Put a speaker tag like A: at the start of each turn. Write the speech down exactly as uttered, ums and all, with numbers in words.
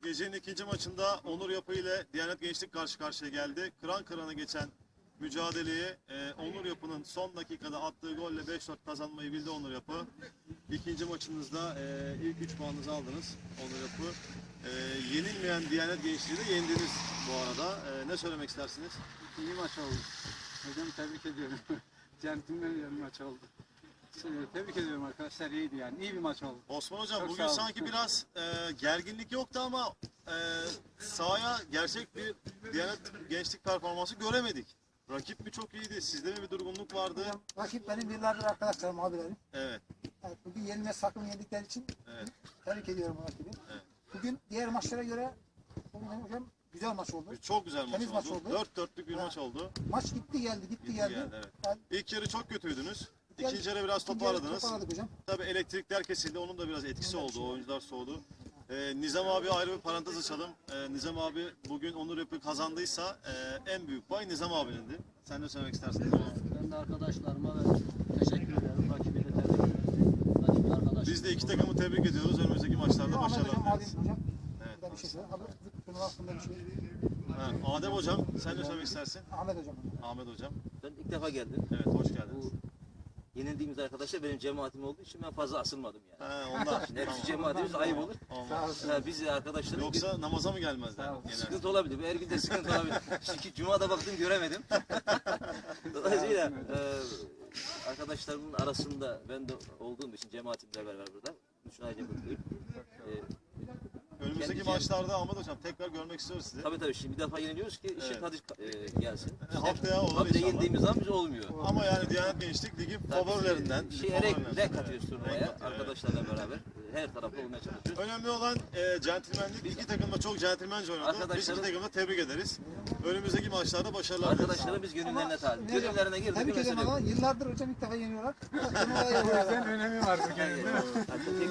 A: gecenin ikinci maçında Onur Yapı ile Diyanet Gençlik karşı karşıya geldi. Kıran kırana geçen mücadeleyi e, Onur Yapı'nın son dakikada attığı golle beş dört kazanmayı bildi Onur Yapı. İkinci maçınızda e, ilk üç puanınızı aldınız Onur Yapı. E, yenilmeyen Diyanet Gençliği de yendiniz bu arada. E, ne söylemek istersiniz?
B: İyi maç oldu. Hocam tebrik ediyorum. Centilmen bir maç oldu. Tebrik ediyorum arkadaşlar, iyiydi yani. İyi bir maç oldu.
A: Osman Hocam
B: Çok
A: bugün
B: sağ olun.
A: sanki biraz e, gerginlik yoktu ama e, sahaya gerçek bir Diyanet Gençlik performansı göremedik. Rakip mi çok iyiydi? Sizde mi bir durgunluk vardı?
C: Hocam, rakip benim yıllardır arkadaşlarım, abilerim.
A: Evet.
C: Evet, bugün yenilmez takım yendikleri için
A: Evet.
C: tebrik ediyorum rakibi.
A: Evet.
C: Bugün diğer maçlara göre bugün hocam güzel maç oldu.
A: Çok güzel maç
C: Temiz
A: oldu.
C: maç oldu.
A: Dört dörtlük bir
C: Ha.
A: maç oldu.
C: Maç gitti geldi, gitti,
A: Gitti
C: geldi.
A: geldi, evet.
C: Yani
A: İlk yarı çok kötüydünüz.
C: İlk
A: İkinci yarı biraz
C: ikinci yarı
A: toparladınız.
C: toparladık hocam.
A: Tabii elektrikler kesildi. Onun da biraz etkisi
C: Evet.
A: oldu. Oyuncular soğudu. Ee, Nizam abi ayrı bir parantez açalım. Ee, Nizam abi bugün Onur Yapı kazandıysa e, en büyük pay Nizam abinindi. Sen ne söylemek istersin?
D: Ben de arkadaşlarıma ve teşekkür ederim. Rakibi de tebrik ederim. Rakibi arkadaşlar.
A: Biz de iki takımı tebrik ediyoruz. Önümüzdeki maçlarda
C: Ahmet
A: başarılar
C: hocam,
A: dileriz.
C: Adem hocam.
A: Evet.
C: Burada bir şey söyle. Abi, bunun hakkında bir şey.
A: Ha, Adem hocam sen ne söylemek istersin?
C: Ahmet hocam.
A: Ahmet hocam.
E: Ben ilk defa geldim.
A: Evet hoş geldiniz.
E: Bu yenildiğimiz arkadaşlar benim cemaatim olduğu için ben fazla asılmadım yani.
A: Ha, onlar.
E: Şimdi hepsi
A: Tamam.
E: cemaatimiz ayıp olur.
A: Olmaz.
C: Sağ olsun.
E: Ha, biz arkadaşlarım
A: Yoksa namaza mı gelmezler?
C: Sağ ol.
A: Genelde?
E: sıkıntı olabilir. Her gün de sıkıntı olabilir. Çünkü Cuma'da baktım göremedim. Dolayısıyla e, arkadaşlarımın arasında ben de olduğum için cemaatimle beraber burada. Üçün ayrıca mutluyum. E,
A: Önümüzdeki
E: Kendi-
A: maçlarda Ahmet hocam tekrar görmek istiyoruz sizi.
E: tabii tabii şimdi bir defa yeniliyoruz ki işin
A: Evet.
E: tadı e, gelsin.
A: E, haftaya olur
E: Tabii de
A: inşallah.
E: yendiğimiz zaman biz olmuyor.
A: Ama yani Diyanet Gençlik Ligi favorilerinden.
E: Şey,
A: favorilerden.
E: renk, renk katıyoruz
A: Evet, renk
E: turnuvaya
A: katıyor, evet.
E: arkadaşlarla beraber. e, Her tarafta olmaya çalışıyoruz.
A: Önemli olan e, centilmenlik. İki takım da çok centilmence oynadı. Biz iki
E: Arkadaşlarım-
A: takımı da tebrik ederiz. Önümüzdeki maçlarda başarılar dileriz.
E: Arkadaşlarım biz gönüllerine talip.
C: Ama-
E: Gönüllerine girdik.
C: Tebrik
E: bir mesele
C: ederim
E: yok.
C: ama yıllardır hocam ilk defa yeniyorlar. Turnuvaya yeniyorlar.
B: Önemi var bu
E: Yani, e,